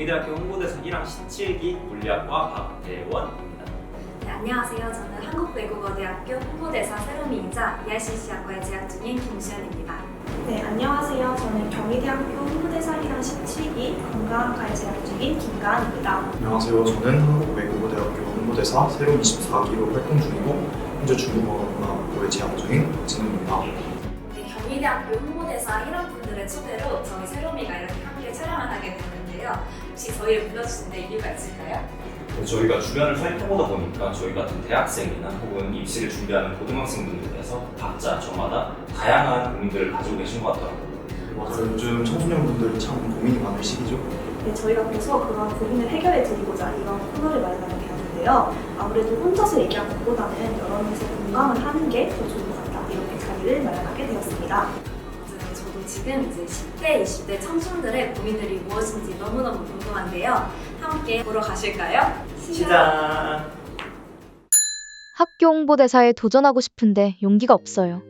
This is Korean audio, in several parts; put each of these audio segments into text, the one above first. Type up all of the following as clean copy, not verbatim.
경희대학교 홍보대사 1학 17기 물리학과 박대원입니다. 네, 안녕하세요. 저는 한국외국어대학교 홍보대사 세롬이이자 ERCC학과에 재학 중인 김수현입니다. 네, 안녕하세요. 저는 경희대학교 홍보대사 1학 17기 건강학과에 재학 중인 김가은입니다. 안녕하세요. 저는 한국외국어대학교 홍보대사 세롬 24기로 활동 중이고 현재 중국어문학부에 재학 중인 박진우입니다. 네, 경희대학교 홍보대사 1학 분들의 초대로 저희 세롬이가 이렇게 함께 촬영을 하게 됐는데요. 혹시 저희를 불러주신 데 이유가 있을까요? 저희가 주변을 살펴보다 보니까 저희 같은 대학생이나 혹은 입시를 준비하는 고등학생분들께서 각자 저마다 다양한 고민들을 가지고 계신 것 같더라고요. 맞아요. 요즘 청소년분들이 참 고민이 많은 시기죠. 네, 저희가 그래서 그런 고민을 해결해 드리고자 이런 코너를 마련하게 되었는데요. 아무래도 혼자서 얘기하는 것보다는 여러 명이서 공감을 하는 게 더 좋은 것 같다. 이렇게 자리를 마련하게 되었습니다. 맞아요. 저도 지금 이제 10대, 20대 청춘들의 고민들이 무엇인지 너무너무 궁금한데요. 함께 보러 가실까요? 시작! 학교 홍보대사에 도전하고 싶은데 용기가 없어요.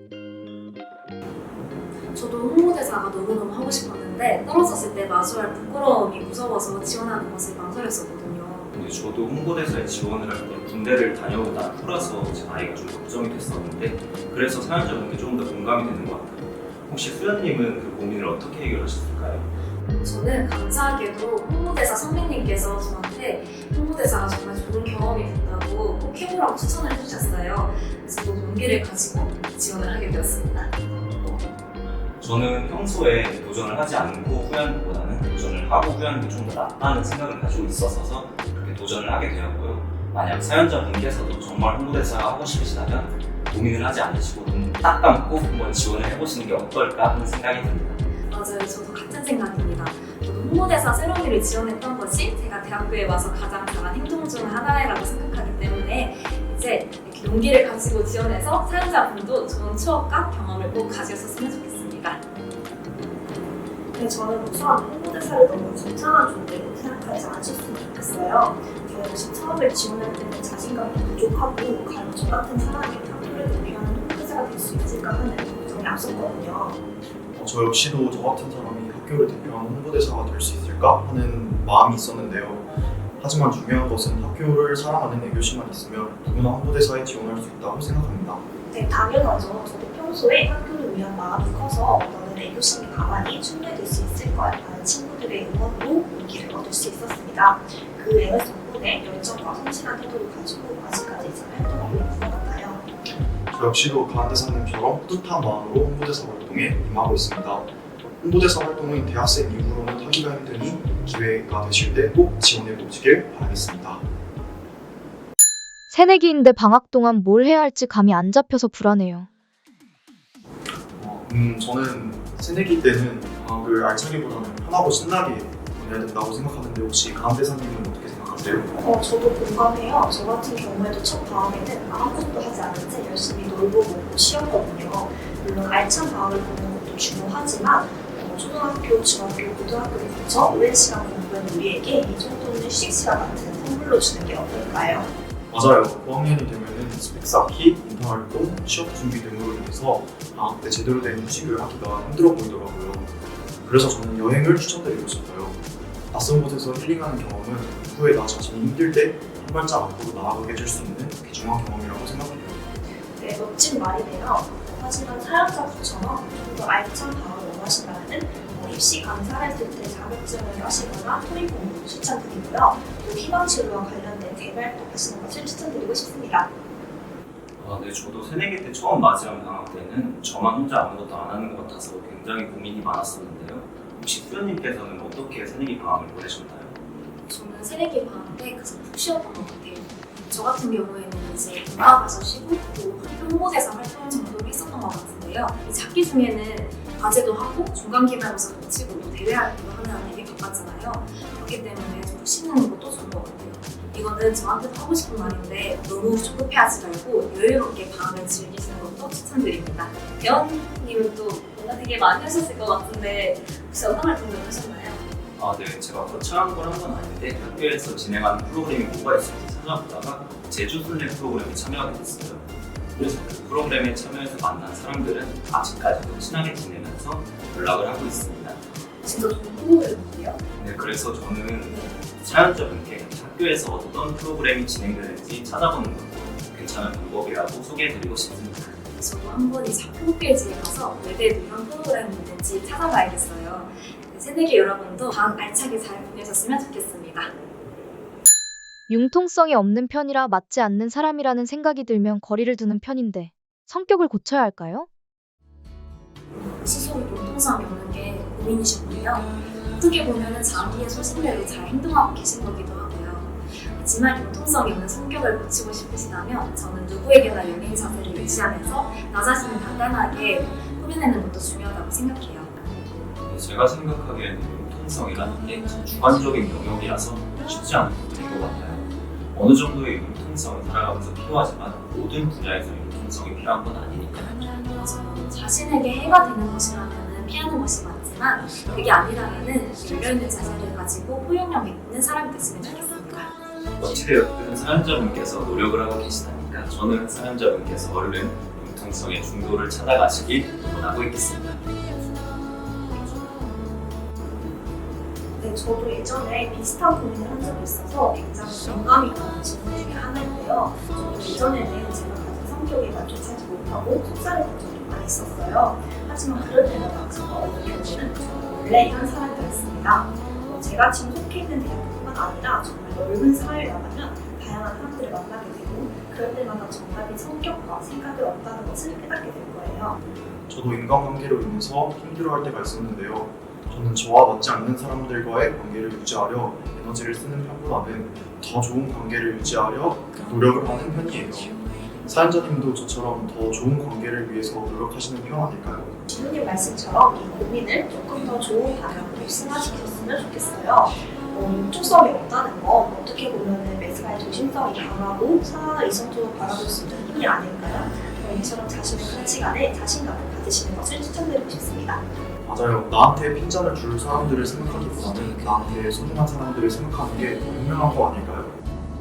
저도 홍보대사가 너무너무 하고 싶었는데 떨어졌을 때 마주할 부끄러움이 무서워서 지원하는 것을 망설였었거든요. 근데 저도 홍보대사에 지원을 할 때 군대를 다녀오고 난 후라서 제 나이가 좀 걱정이 됐었는데 그래서 사연자분께 조금 더 공감이 되는 것 같아요. 혹시 수연님은 그 고민을 어떻게 해결하셨을까요? 저는 감사하게도 홍보대사 선배님께서 저한테 홍보대사가 정말 좋은 경험이 된다고 꼭 해보라고 추천을 해주셨어요. 그래서 또 용기를 가지고 지원을 하게 되었습니다. 저는 평소에 도전을 하지 않고 후회하는 것보다는 도전을 하고 후회하는 게 좀 더 낫다는 생각을 가지고 있어서 그렇게 도전을 하게 되었고요. 만약 사연자분께서도 정말 홍보대사가 하고 싶으시다면 고민을 하지 않으시고 눈 딱 감고 한번 지원을 해보시는 게 어떨까 하는 생각이 듭니다. 맞아요. 저도 같은 생각입니다. 저도 홍보대사 세롬이를 지원했던 것이 제가 대학교에 와서 가장 잘한 행동 중 하나라고 생각하기 때문에 이제 이렇게 용기를 가지고 지원해서 사연자분도 좋은 추억과 경험을 꼭 가지셨으면 좋겠습니다. 네, 저는 우선 홍보대사를 너무 거창한 존재로 생각하지 않으셨으면 좋겠어요. 저 역시 처음에 지원할 때는 자신감이 부족하고 과연 저 같은 사람이 학교를 대표하는 홍보대사가 될 수 있을까 하는 걱정이 앞섰거든요. 저 역시도 저 같은 사람이 학교를 대표하는 홍보대사가 될 수 있을까 하는 마음이 있었는데요. 하지만 중요한 것은 학교를 사랑하는 애교심만 있으면 누구나 홍보대사에 지원할 수 있다고 생각합니다. 네, 당연하죠. 저도 평소에 학교를 위한 마음이 커서 너는 애교심이 가만히 충분해질 수 있을 거야 라는 친구들의 응원으로 용기를 얻을 수 있었습니다. 그 에너지 덕분에 열정과 성실한 태도를 가지고 아직까지 잘 활동하고 있는 것 같아요. 저 역시도 가은대사님처럼 뿌듯한 마음으로 홍보대사 활동에 임하고 있습니다. 홍보대사 활동은 대학생 이후로는 하기가 힘드니 기회가 되실 때 꼭 지원해 보시길 바라겠습니다. 새내기인데 방학 동안 뭘 해야 할지 감이 안 잡혀서 불안해요. 저는 새내기 때는 방학을 알차기보다는 편하고 신나게 보내야 된다고 생각하는데 혹시 가은대사님은 어떻게 생각하세요? 저도 공감해요. 저 같은 경우에도 첫 방학에는 아무것도 하지 않은 채 열심히 놀고 먹고 쉬었거든요. 물론 알찬 방학을 보는 것도 중요하지만 초등학교, 중학교, 고등학교를 거쳐 오랜 시간 공부한 우리에게 이 정도는 휴식 시간 같은 선물로 주는 게 어떨까요? 맞아요. 9학년이 되면은 스펙 쌓기, 인턴활동, 취업 준비 등으로 인해서 방학 때 제대로 된 휴식을 하기가 힘들어 보이더라고요. 그래서 저는 여행을 추천드리고 싶어요. 낯선 곳에서 힐링하는 경험은 후에 나 자신이 힘들 때 한 발짝 앞으로 나아가게 해줄 수 있는 귀중한 경험이라고 생각해요. 네, 멋진 말이네요. 하지만 사연자분처럼 좀 더 알찬 방학을 원하신다면 입시 강사를 했을 때 자격증을 하시거나 토익 공부 추천드리고요. 또 희망치료와 관련된 재발도 하시는 것을 추천드리고 싶습니다. 네, 저도 새내기 때 처음 맞이한 방학 때는 저만 혼자 아무것도 안 하는 것 같아서 굉장히 고민이 많았었는데요. 혹시 수연님께서는 어떻게 새내기 방학을 보내셨나요? 저는 새내기 방학 때 가장 푹 쉬었던 것 같아요. 저 같은 경우에는 이제 동화 가서 쉬고 또 학교 홍보대사 활동 정도를 했었던 것 같은데요. 이 작기 중에는 과제도 하고 중간 기말고사 거치고 또 대회 활동도 하느라 되게 바빴잖아요. 그렇기 때문에 좀 쉬는 것도 좋은 것 같아요. 이거는 저한테도 하고 싶은 말인데 너무 조급해하지 말고 여유롭게 방학을 즐기시는 것도 추천드립니다. 대원님은 또 뭔가 되게 많이 하셨을 것 같은데 혹시 어떤 활동을 하셨나요? 네, 제가 거창한 걸 한 건 아닌데 학교에서 진행하는 프로그램이 뭐가 있을지 찾아보다가 제주순례 프로그램에 참여하게 됐어요. 그래서 그 프로그램에 참여해서 만난 사람들은 아직까지도 친하게 지내면서 연락을 하고 있습니다. 진짜 좋은 프로그램인데요. 네, 그래서 저는 사연자분께 학교에서 어떤 프로그램이 진행되는지 찾아보는 것도 괜찮은 방법이라고 소개해드리고 싶습니다. 저도 한번 이 작품 홈페이지에 가서 외대에도 이런 프로그램이 있는지 찾아봐야겠어요. 새내기 여러분도 방학 알차게 잘 보내셨으면 좋겠습니다. 융통성이 없는 편이라 맞지 않는 사람이라는 생각이 들면 거리를 두는 편인데 성격을 고쳐야 할까요? 스스로 융통성이 없는 게 고민이셨군요. 어떻게 보면 자기의 소신대로 잘 행동하고 계신 거기도 하고요. 하지만 융통성이 없는 성격을 고치고 싶으시다면 저는 누구에게나 열린 자세를 유지하면서 나 자신을 단단하게 꾸며내는 것도 중요하다고 생각해요. 제가 생각하기에는 융통성이라는 게 참 주관적인 영역이라서 쉽지 않은 부분인 것 같아요. 어느 정도의 융통성을 살아가면서 필요하지만 모든 분야에서 융통성이 필요한 건 아니니까요. 맞아요. 자신에게 해가 되는 것이라면 피하는 것이 맞지만 그게 아니라면 열려있는 자세를 가지고 포용력 있는 사람이 됐으면 좋겠습니다. 어찌되었든 사연자분께서 노력을 하고 계시다니까 저는 사연자분께서 얼른 융통성의 중도를 찾아가시길 원하고 있겠습니다. 네, 저도 예전에 비슷한 고민을 한 적이 있어서 굉장히 공감이 가는 질문 중에 하나인데요. 저도 예전에는 제가 가진 성격에 만족하지 못하고 속살했던 적이 많이 있었어요. 하지만 그럴 때마다 제가 얻은 결론은 저는 원래 이런 사람이었습니다. 제가 지금 속해 있는 대학뿐만 아니라 정말 넓은 사회를 나가면 다양한 사람들을 만나게 되고 그럴 때마다 정답인 성격과 생각을 얻다는 것을 깨닫게 될 거예요. 저도 인간관계로 인해서 힘들어할 때가 있었는데요. 저는 저와 맞지 않는 사람들과의 관계를 유지하려 에너지를 쓰는 편보다는 더 좋은 관계를 유지하려 노력을 하는 편이에요. 사연자님도 저처럼 더 좋은 관계를 위해서 노력하시는 편 아닐까요? 지훈님 말씀처럼 이 고민을 조금 더 좋은 방향으로 승화시켰으면 좋겠어요. 융통성이 없다는 건 어떻게 보면 매사에 조심성이 강하고 상황을 이성적으로 바라볼 수 있는 힘이 아닐까요? 이처럼 자신의 가치관에 자신감을 가지시는 것을 추천드리고 싶습니다. 맞아요. 나한테 핀잔을 줄 사람들을 생각하기보다는 나한테 소중한 사람들을 생각하는 게 더 현명한 거 아닐까요?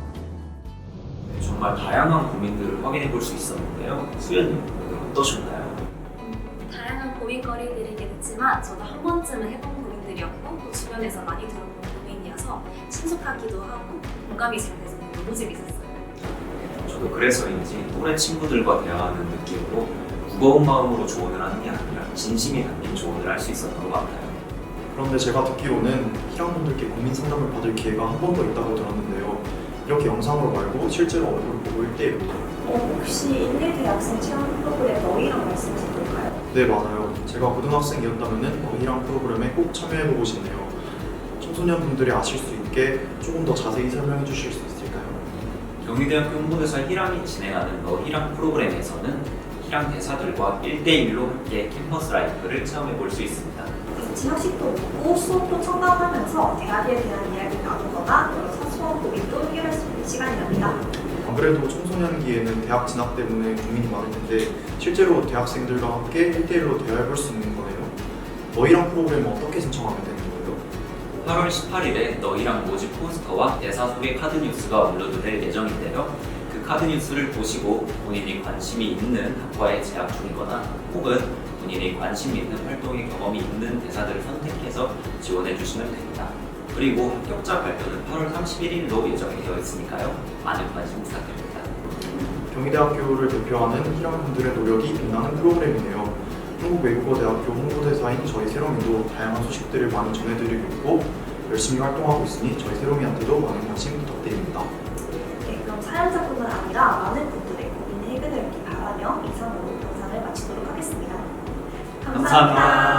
네, 정말 다양한 고민들을 확인해 볼 수 있었는데요. 수연님 오늘 어떠셨나요? 다양한 고민거리들이긴 했지만 저도 한 번쯤은 해본 고민들이었고 또 주변에서 많이 들어본 고민이어서 친숙하기도 하고 공감이 잘 돼서 너무 재밌었어요. 저도 그래서인지 또래 친구들과 대화하는 느낌으로 무거운 마음으로 조언을 하는 게 아니라 진심이 담긴 조언을 할 수 있었던 것 같아요. 그런데 제가 듣기로는 희랑분들께 고민 상담을 받을 기회가 한 번 더 있다고 들었는데요. 이렇게 영상으로 말고 실제로 얼굴 보고 1대1로. 혹시 인내대학생 체험 프로그램 너희랑 말씀하신 걸까요? 네, 맞아요. 제가 고등학생이었다면 너희랑 프로그램에 꼭 참여해보고 싶네요. 청소년분들이 아실 수 있게 조금 더 자세히 설명해 주실 수 있을까요? 경희대학교 홍보대사 희랑이 진행하는 너 희랑 프로그램에서는 희랑 대사들과 1대1로 함께 캠퍼스 라이프를 체험해 볼 수 있습니다. 같이 학식도 먹고 수업도 첨가하면서 대학에 대한 이야기를 나누거나 여러 사소한 고민도 해결할 수 있는 시간이랍니다. 안 그래도 청소년기에는 대학 진학 때문에 고민이 많을 텐데 실제로 대학생들과 함께 1대1로 대화해볼 수 있는 거네요. 너희랑 프로그램은 어떻게 신청하면 되는 거예요? 8월 18일에 너희랑 모집 포스터와 대사 소개 카드 뉴스가 업로드될 예정인데요. 그 카드 뉴스를 보시고 본인이 관심이 있는 학과에 재학 중이거나 혹은 본인이 관심 있는 활동의 경험이 있는 대사들을 선택해서 지원해 주시면 됩니다. 그리고 합격자 발표는 8월 31일로 예정이 되어 있으니까요. 많은 관심 부탁드립니다. 경희대학교를 대표하는 희랑분들의 노력이 빛나는 프로그램이네요. 한국외국어대학교 홍보대사인 저희 세롬이도 다양한 소식들을 많이 전해드리고 있고 열심히 활동하고 있으니 저희 세롬이한테도 많은 관심 부탁드립니다. 네, 그럼 사연자뿐만 아니라 많은 분들의 고민이 해결되길 바라며 이상으로 영상을 마치도록 하겠습니다. 감사합니다.